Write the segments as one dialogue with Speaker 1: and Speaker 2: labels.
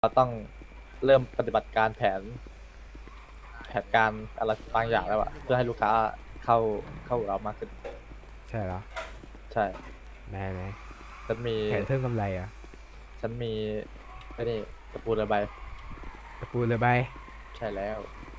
Speaker 1: เราต้องเริ่มปฏิบัติการแผนการอะไรบางอย่างแล้วอะเพื่อให้ลูกค้าเข้าเรามากขึ้น
Speaker 2: ใช่เหรอ
Speaker 1: ใช่
Speaker 2: ไหน
Speaker 1: ฉันมี
Speaker 2: แผนเพิ่มกำไรอ่ะ
Speaker 1: ฉันมีไอ้นี่ตะปูระบาย
Speaker 2: ตะปูเรือใบ
Speaker 1: ใช่แล้ว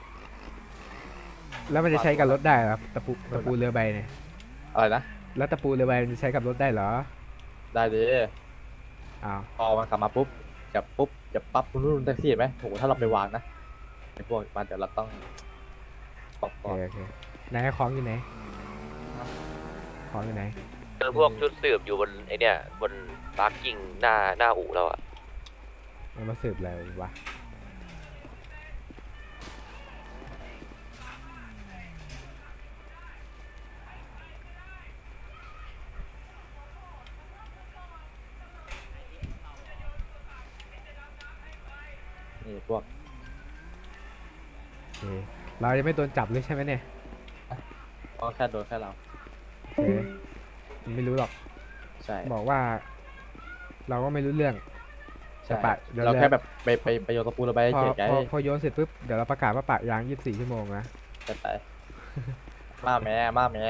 Speaker 2: แล้วมันจะใช้กับรถได้เหรอตะปูเรือใบเนี่ย
Speaker 1: อะไรนะ
Speaker 2: แล้วตะปูเรือใบมันจะใช้กับรถได้เหรอ
Speaker 1: ได้ดิ
Speaker 2: อ้าว
Speaker 1: พอมันขับมาปุ๊บจะปั๊บรุ่นแท็กซี่เห็นไหมโหถ้าเราไปวางนะไอ้พวกมันเดี๋ยวเราต้องปอก
Speaker 2: โอ
Speaker 1: ก่อน
Speaker 2: เคไหนของอยู่ไหนของอยู่ไหน
Speaker 3: เจอพวกชุดสืบอยู่บนไอเนี่ยบนปาร์กิ้งหน้าอู่เราอะ
Speaker 2: มันมาสืบอะไรวะ
Speaker 1: นี่พวก
Speaker 2: โอเคเราจะไม่โดนจับเลยใช่ไหมเนี่ย
Speaker 1: ก็แค่โดนแค่เรา
Speaker 2: โอเคมันไม่รู้หรอก
Speaker 1: ใช่
Speaker 2: บอกว่า เราก็ไม่รู้เรื่อง
Speaker 1: ใช่
Speaker 2: ปะเดี๋ยว
Speaker 1: เราแค่แบบไปโยนตะปูระบาย
Speaker 2: พอ
Speaker 1: เฉยไง
Speaker 2: พอโยนเสร็จปุ๊บเดี๋ยวเราประกาศว่าปะยาง24 ชั่วโมงนะ
Speaker 1: จะไปมาแม่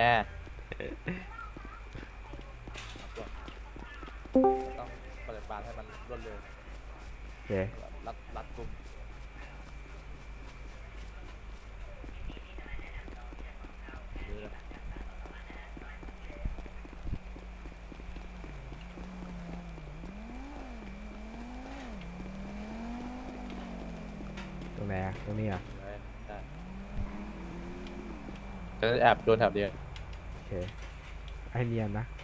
Speaker 1: ต้องปฏิบัติให้มันรวดเร็ว
Speaker 2: โอเค
Speaker 1: รัดกุมนี่เลย
Speaker 2: ตรงไหนอะตรงนี้อ่ะ
Speaker 1: ใช่จะแอบโดนแถบเดียว
Speaker 2: โอเคให้เนียนนะ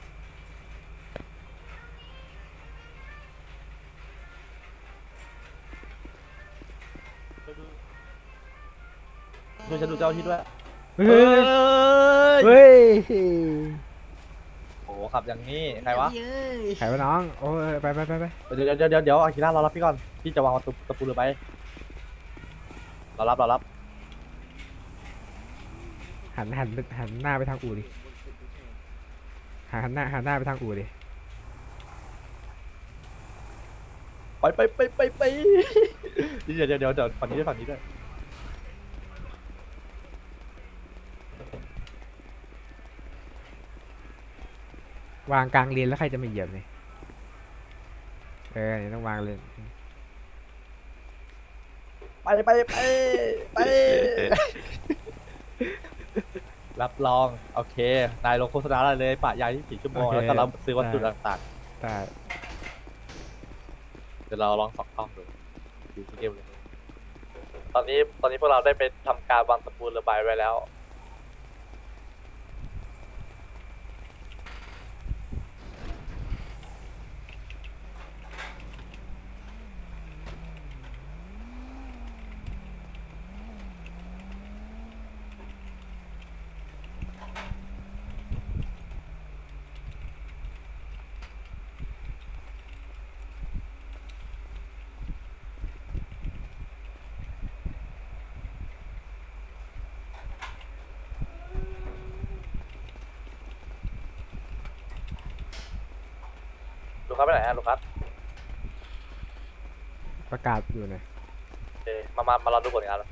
Speaker 1: ช่วยฉันดูเจ้าที่ด้วย
Speaker 2: เฮ้ยเฮ้ย
Speaker 1: โอ้ขับอย่างนี้ใครวะ
Speaker 2: ใครวะน้องโอ้ยไป
Speaker 1: เดี๋ยวอากิระรอรับพี่ก่อนพี่จะวางตะปูเรือไปรอรับ
Speaker 2: หันหน้าไปทางอู่ดิหันหน้าไปทางอู่ดิ
Speaker 1: ไปเดี๋ยวฝั่งนี้ด้วย
Speaker 2: วางกลางเลนแล้วใครจะมาเหยียบเนี่ยนี่ต้องวางเลน
Speaker 1: ไปรับรองโอเคนายลงโฆษณาได้เลยปะยาย24 ชั่วโมงแล้วก็รับซื้อวัตถุต่าง
Speaker 2: แต่
Speaker 1: ๆเดี๋ยวเราลองส่องกล้องดูที่เดียวเลยตอนนี้พวกเราได้ไปทำการวางตะปูระบายไว้แล้วลูกค้าไปไหนฮะลูกค้า
Speaker 2: ประกาศอยู่นะ
Speaker 1: โอเคมาเราดูผลงานแล้ว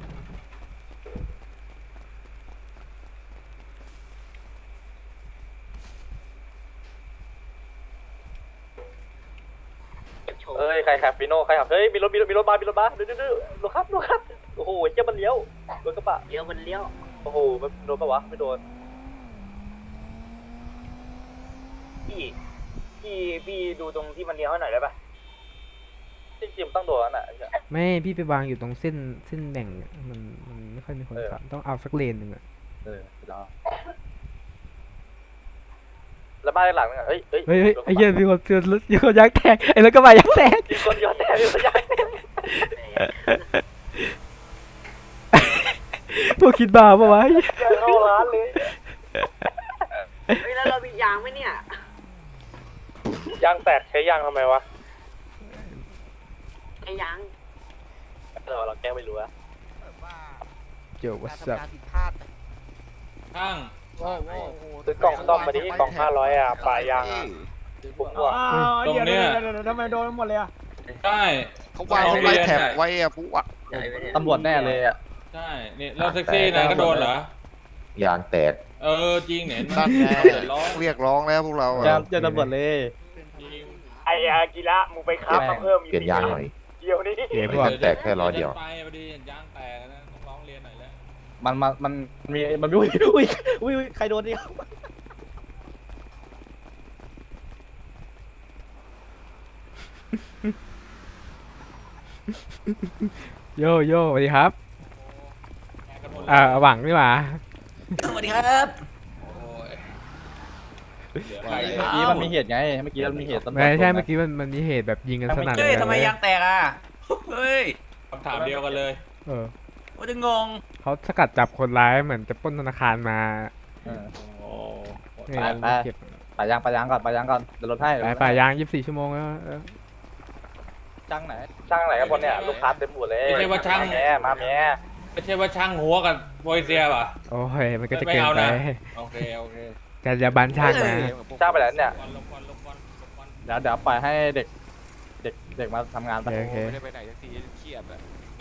Speaker 1: เอ้ยใครขับฟีโน่ใครขับเฮ้ยมีรถมาดูลูกครับโอ้โหเจ้ามันเลี้ยวรถกระบะ
Speaker 3: เลี้ยว
Speaker 1: โอ้โหมันโดนปะวะไม่โดน
Speaker 3: พี่ดูตรงที่มันเลี้ยวให้หน่อยได้ปะ
Speaker 1: จริงๆต้องโดนนั่นแหละ
Speaker 2: ไม่พี่ไปวางอยู่ตรงเส้นแบ่งมันไม่ค่อยมีคนขับต้องเอาสักเลนหนึ่งอ่ะ
Speaker 1: แล้วแล้วบ้านหลังนึงเฮ้ย
Speaker 2: ไอ้เหี้ยมีคนยักษ์แตกไอ้รถกระบะยักษ์แตก
Speaker 1: มีคนย้อนแตก
Speaker 2: พวกคิดบ้าปะวะ
Speaker 1: เข้าร้านเลย
Speaker 3: แล้วเรามียางไหมเนี่ย
Speaker 1: ยางแตกใช้ยางทำไมวะ
Speaker 3: ไอ้ยาง
Speaker 1: เราแก้ไม่รู้อะ
Speaker 2: เกี่ยวกับสับ
Speaker 4: ช่าง
Speaker 1: ซื้อกล่องซ่อมมาดิกล่อง500ปลายยางบุ้งหัว
Speaker 4: ตรงเนี้ย
Speaker 5: ทำไมโดนหมดเลยอ่ะ
Speaker 4: ใช่
Speaker 5: เขาวางเขาไล่แถบไว้อะปุ๊อะ
Speaker 1: ตำรวจแน่เลยอ่ะ
Speaker 4: ใช่นี่เราแท็กซี่นายก็โดนเหรอย
Speaker 6: างแตก
Speaker 4: จริงเนี่ย
Speaker 5: นั่นไง
Speaker 4: เดือดร้อน
Speaker 5: เรียกร้องแล้วพวกเราอะ
Speaker 1: เจอตำรวจเลย
Speaker 4: จริง
Speaker 7: ไออากิระมึงไปครับมาเพิ่มอีก
Speaker 6: เปลี่ยนยางหน่อย
Speaker 7: เดียวนี้
Speaker 2: เดี๋ยว
Speaker 6: ไม่ทันแตกแค่ล้อเดียว
Speaker 4: ไปพอดียางแตกนะต้องร้องเรียนหน่อยแล้ว
Speaker 1: มันมีอุ้ยใครโดนดิ
Speaker 2: โยโย่สวัสดีครับ
Speaker 4: แตกกันหมดแล้ว
Speaker 2: หวังดีกว่า
Speaker 8: สวัสดีครับ
Speaker 4: โอ้ยเหลือใคร
Speaker 1: เมื่อกี้มันมีเหตุไงเมื่อกี้มันมีเหตุตำรวจ
Speaker 2: ไม่ใช่
Speaker 1: โดนนะ
Speaker 2: เมื่อกี้มันมีเหตุแบบยิงกันสนั่น
Speaker 8: เฮ้ย
Speaker 2: เลย
Speaker 8: ทำไมยางแตกอ่ะ เฮ้ย
Speaker 4: คำถามเดียวกันเลย
Speaker 2: เออ
Speaker 8: ว่าจะงง
Speaker 2: เขาสกัดจับคนร้ายเหมือนจะปล้นธนาคารมา
Speaker 1: เออ
Speaker 4: โอ้
Speaker 2: เนี่ย
Speaker 1: ไป
Speaker 2: เก็บ
Speaker 1: ไปยางก่อนเดี๋ยวรถให้
Speaker 2: ไปยาง24 ชั่วโมงแล้วเออ
Speaker 1: ช่างไหนกันบนเนี่ยลูกค้าเต็มหมดเลย
Speaker 4: ไม่ใช่ว่าช่าง
Speaker 1: มาแม่
Speaker 4: ไม่ใช่ว่าช่างหัวกับโปรยเซียป่ะ
Speaker 2: โอ้ยมันก็จะเกินไป
Speaker 4: โอเคโอเค
Speaker 2: แต่อย่าบันช่างนะ
Speaker 1: ช่างไปแล้วเนี่ย
Speaker 4: ลบควัน
Speaker 1: เดี๋ยวปล่อยให้เด็กมาทำงานไป
Speaker 2: โอเค
Speaker 5: ไม่ได้ไปไหนสักทีเครียดอะ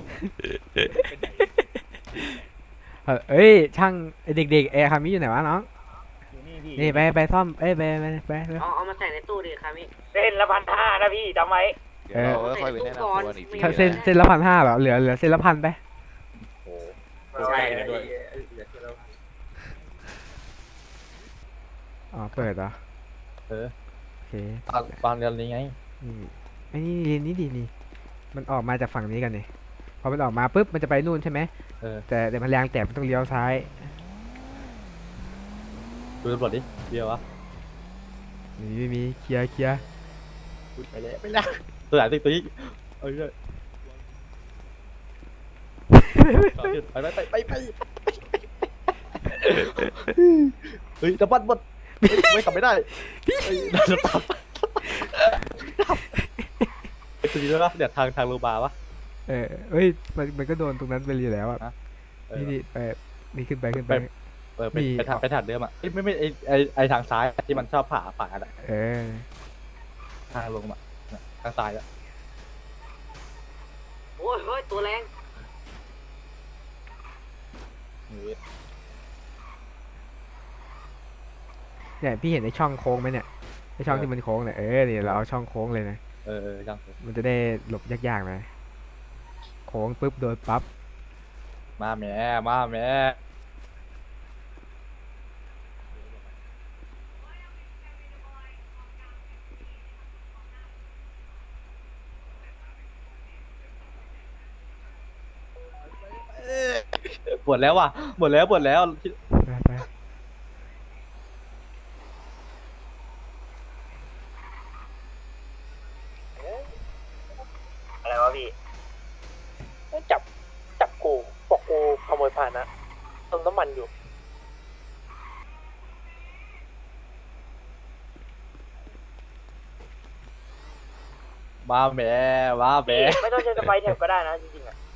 Speaker 2: เอ้ยช่างไอ้เด็กๆคามิอยู่ไหนวะน้องนี่ไปซ่อมไป
Speaker 9: เอามาใส่ในตู้ดิครับพี่
Speaker 7: เส้นละ1,500นะพี่จำไว้
Speaker 5: เดี๋ยวเราค่อยไปแนะนำตัวอีกที
Speaker 2: เส้นละ1,500เหรอเหลือเส้นละ1,000ไป
Speaker 4: ใช่ด้วย
Speaker 2: อ๋อเปิดเหรอ
Speaker 1: เออ
Speaker 2: โอเค
Speaker 1: ตอนเดือนนี้ไง
Speaker 2: นี่ไอ้นี่ดีนี่มันออกมาจากฝั่งนี้กันนี่พอมันออกมาปุ๊บมันจะไปนู่นใช่ไหม
Speaker 1: เออ
Speaker 2: แต่เดี๋ยวมันแรงแตกมันต้องเลี้ยวซ้าย
Speaker 1: ดูตำรวจดิเดียววะ
Speaker 2: นี่ไม่มีเคลียร์
Speaker 1: ไปแล้วตัวไหนตัวนี้เอ้ยไปเฮ้ยจะบัดไม่กลับไม่ได้จะตามไอ้ตัวนี้ด้วยปะเดี๋ยวทางโรงพยาบาลปะ
Speaker 2: เอ้ยมันก็โดนตรงนั้นไปเลยแล้วอ่ะ
Speaker 1: เออ
Speaker 2: นี่ไปนี่ขึ้นไป
Speaker 1: ไปทางเดิมอ่ะไม่ไอทางซ้ายที่มันชอบผ่ากันอะ
Speaker 2: เออ
Speaker 1: ทางลงมาทางซ้ายอะ
Speaker 9: โอ้ยเฮ้ยตัวแรง
Speaker 2: เนี่ยพี่เห็นไอ้ช่องโค้งไหมเนี่ยไอ้ช่องที่มันโค้งเนี่ยเนี่ยเราเอาช่องโค้งเลยนะ
Speaker 1: จัง
Speaker 2: มันจะได้หลบยากๆนะโค้งปุ๊บโดนปั๊บ
Speaker 1: มาแม่ปวดแล้วว่ะหมดแล้ว
Speaker 2: ไป
Speaker 7: อะไรวะพี่
Speaker 8: จับกูบอกกูขโมยผ่านนะเติมน้ำมันอยู่
Speaker 1: มาแม่
Speaker 7: ไม่ต้องใช้สไปร์แท็บก็ได้นะจริงๆอ่ะ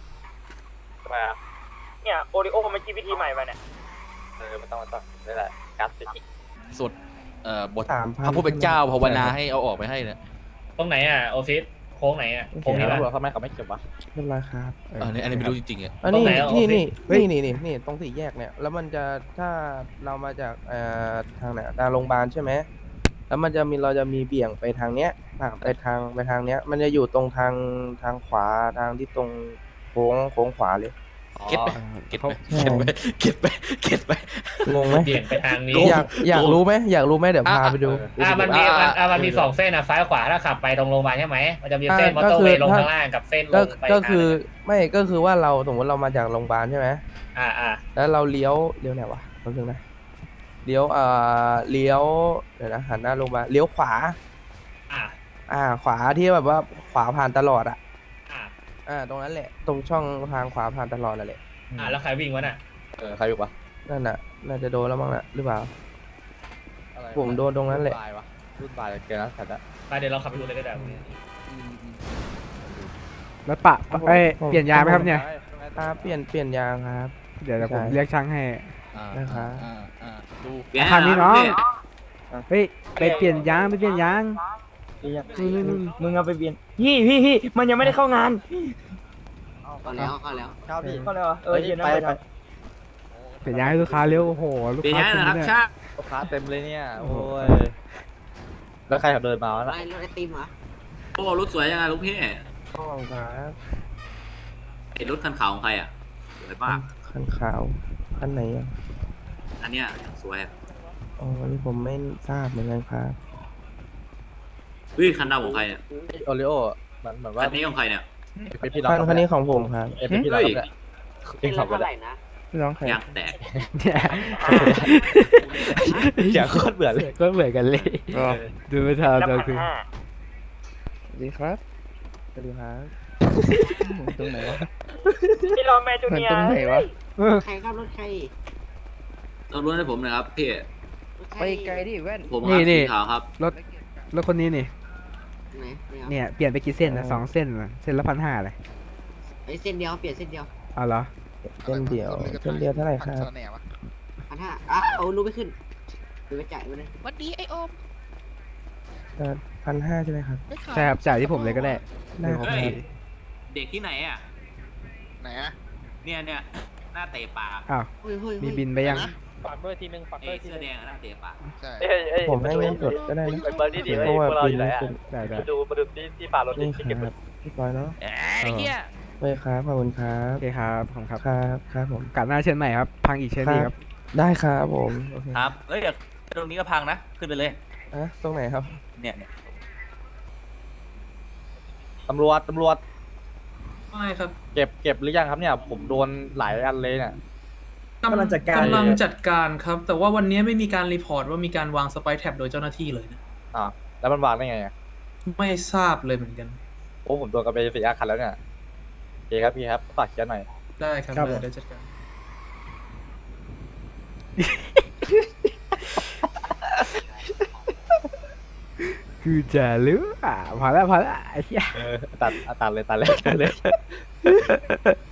Speaker 7: เนี่ยโอริโอมันคิดวิธีใหม่มาเนี่ย
Speaker 1: ไม่ต้องนี่แหละกัสติก
Speaker 10: สุดบทพระผู้เป็นเจ้าภาวนาให้เอาออกไปให้เนี่ย
Speaker 4: ตรงไหนอ่ะโอซิสโค้งไหนอ่ะโค้งนี้
Speaker 1: ตำรว
Speaker 4: ป่ะ
Speaker 1: จทำไมเขาไม่เก็บวะ
Speaker 8: เรียบร้อยครับ
Speaker 10: อันนี้ไม่รู้จริงๆอ่ะ
Speaker 8: อันนี้
Speaker 4: ตรงไหนอ่ะ
Speaker 8: นี่ตรงสี่แยกเนี่ย แล้วมันจะถ้าเรามาจากทางไหนทางโรงพยาบาลใช่ไหมแล้วมันจะมีเราจะมีเบี่ยงไปทางเนี้ยไปทางเนี้ย มันจะอยู่ตรงทางขวาทางที่ตรงโค้งขวาเลย
Speaker 10: เก็ตไป เก็ตไป
Speaker 8: งงไหม
Speaker 4: เบี่ยงไปทางนี้
Speaker 8: อยากรู้ไหมเดี๋ยวพาไปดู
Speaker 4: มันมี2เส้นนะซ้ายขวาถ้าขับไปตรงโรงพยาบาลใช่ไหมมันจะมีเส้นมอเตอร์เวย์ลงข้างล่างกับเส้นลงไป
Speaker 8: ก็คือไม่ก็คือว่าเราสมมติเรามาจากโรงพยาบาลใช่ไหม แล้วเราเลี้ยวไหนวะแป๊บนึงนะเลี้ยวเดี๋ยวนะหันหน้าโรงพยาบาลเลี้ยวขวาขวาที่แบบว่าขวาผ่านตลอดตรงนั้นแหละตรงช่องทางขวาผ่านตลอดนั่นแหละ
Speaker 4: แล้วใครวิ่งวะน่ะ
Speaker 1: ใครอยู่ปะ
Speaker 8: นั่นน่ะน่าจะโดนแล้วมั้งน่ะหรือเปล่า ผมโดนตรงนั้นแหละ
Speaker 1: รุ่นปลายเกินแล้วสัตว์
Speaker 4: ไปเดี๋ยวเราขับไปดูเลยก็ได้
Speaker 2: แล้วเปลี่ยนยางไหมครับเนี่ย
Speaker 8: เปลี่ยนยางครับ
Speaker 2: เดี๋ยวผมเรียกช่างให้
Speaker 8: นะครับ
Speaker 10: ดู
Speaker 2: คันนี้น้องเฮ้ยไปเปลี่ยนยาง
Speaker 7: มึงเอาไปเปลี่ยนพี่มันยังไม่ได้เข้างาน
Speaker 9: เข้าแล้วเข้าแล้ว
Speaker 1: ครับพี่
Speaker 7: เข้าเลยเหรอเย็นนะ
Speaker 1: ไป
Speaker 2: เปลี่ยนย้ายให้ลูกค้าเร็วโอ้โหลูก
Speaker 10: เดี๋ยว
Speaker 2: ค้า
Speaker 10: ย้าย
Speaker 2: เต็ม
Speaker 10: นะครับ
Speaker 2: เลย
Speaker 10: ชา
Speaker 1: ลูกค้าเต็มเลยเนี่ยโอ้ยแล้วใครขับเดินมาวะ
Speaker 9: อะไร
Speaker 1: น่ะ
Speaker 9: รถไอติมเหรอ
Speaker 10: โอ้รถสวยยังไงลูกพี่
Speaker 8: ห้องครับ
Speaker 10: เห็นรถคันขาวของใครอ่ะสวยมาก
Speaker 8: คันขาวคันไหนอ่ะ
Speaker 10: อันเนี้ยอย่างสวยอะ
Speaker 8: อ๋อนี่ผมไม่ทราบเหมือนกันครับ
Speaker 10: เฮ้ยคันดำของใครเนี่ย
Speaker 1: โอริโอเหมือนว่า
Speaker 10: คันนี้ของใครเนี่ย
Speaker 1: เป็นพี่น้อง
Speaker 8: คันนี้ของผมครับ
Speaker 1: เป็นพี่น้องกัน
Speaker 9: เป็
Speaker 1: เอน ง
Speaker 9: ร
Speaker 1: ขั
Speaker 9: ถ
Speaker 1: บกัน
Speaker 9: เท่าไหร่นะ
Speaker 8: พี่น้องใคร
Speaker 10: ยางแตก
Speaker 2: เนี่ย
Speaker 1: เสียงโคตรเบื่อเลย
Speaker 2: ก็เหมือนกันเลย
Speaker 8: อ๋อ
Speaker 2: ดูไม่ทัน
Speaker 7: แล้ว
Speaker 2: ตอน
Speaker 7: พัน
Speaker 2: คือ
Speaker 7: ห้า
Speaker 8: สวัสดีครับสวัสดีครับตรงไหนวะ
Speaker 7: พี่รอแม่จูเนียร์
Speaker 9: ใครครับรถใคร
Speaker 10: ต้องรู้ให้ผมหนะครับพี่
Speaker 9: รถใคร
Speaker 8: ไปไกลดิแว่น
Speaker 10: ผมครับสีขาวครับ
Speaker 2: รถคนนี้นี่
Speaker 9: ไหนเนี่ย
Speaker 2: เนี่ยเปลี่ยนไปกี่เส้นนะ2 เส้นนะเส้นละ1,500เลย
Speaker 9: ไอ้เส้นเดียวเปลี่ยนเส้นเดียว
Speaker 2: เอาเหรอ
Speaker 8: เส้นเดียวเส้นเดียวเท่าไหร่ครับ
Speaker 9: 1,500อ่ะเอารู้ไม่ขึ้นดูไปจ่ายไปเลย
Speaker 5: วันดีไอโอม
Speaker 8: 1,500ใช่ไหมครับ
Speaker 2: ใช่ครับจ่ายที่ผมเลยก็ได้
Speaker 8: ได้ครับ
Speaker 10: เฮ้ย เด็กที่ไหนอ่ะ
Speaker 5: ไหนอะ
Speaker 10: เนี่ยหน้าเตะปาก
Speaker 2: อ้าว
Speaker 9: เฮ้ยเฮ้ย
Speaker 2: มีบินไปยัง
Speaker 7: ฝากด้วยทีนึงฝาก
Speaker 10: ไอ้
Speaker 7: ด้วยที
Speaker 10: เสื้
Speaker 7: นึ
Speaker 10: อง แดงอะหน้าเตะปาก
Speaker 5: ใช่
Speaker 8: ผมให้เงินสดก็ได้นะ
Speaker 1: ไปเบอร์นี่ดี
Speaker 8: เพราะว่า
Speaker 1: พวกเรา
Speaker 8: บิ
Speaker 1: อน ยู่ไหน
Speaker 8: ไม่
Speaker 1: อะ
Speaker 8: ขึ้น
Speaker 2: ได้ได้
Speaker 1: มาดูที่ฝารถ
Speaker 8: นี่
Speaker 1: ที่
Speaker 8: ค
Speaker 1: เก็บ
Speaker 8: รับพี่ปอยเนาะ
Speaker 10: ไอ้เหี้ย
Speaker 8: เฮ้ยครับขอบคุณครับ
Speaker 2: โอเคครับขอบคุณครับ
Speaker 8: ครับครับผม
Speaker 2: กัดหน้าเชิญใหม่ครับ พังอีกเชิญดีครับ
Speaker 8: ได้ครับผมโอเค
Speaker 10: ครับเอ้ยเดี๋ยวตรงนี้ก็พังนะ ขึ้นไปเลย
Speaker 8: อ่ะตรงไหนครับ
Speaker 10: เนี่ย
Speaker 1: ตำรวจ
Speaker 6: ไม่ครับ
Speaker 1: เก็บหรือยังครับเนี่ย ผมโดนหลายอันเลยเนี่ย
Speaker 6: กำลังจัดการครับ แต่ว่าวันนี้ไม่มีการรีพอร์ตว่ามีการวางสไปร์แท็บโดยเจ้าหน้าที่เลยนะ
Speaker 1: อ่าแล้วมันวางได้ไงอะ
Speaker 6: ไม่ทราบเลยเหมือนกัน
Speaker 1: โอ้ผมโดนกันไป4 คันแล้วเนี่ยโอเคครับพี่ครับฝากเขียนหน่อย
Speaker 6: ได้ครับเดี๋ยวจัดการ
Speaker 2: คือจะรู้อ่ะพอแล้วไอ้เหี้ย
Speaker 1: ตัดเลย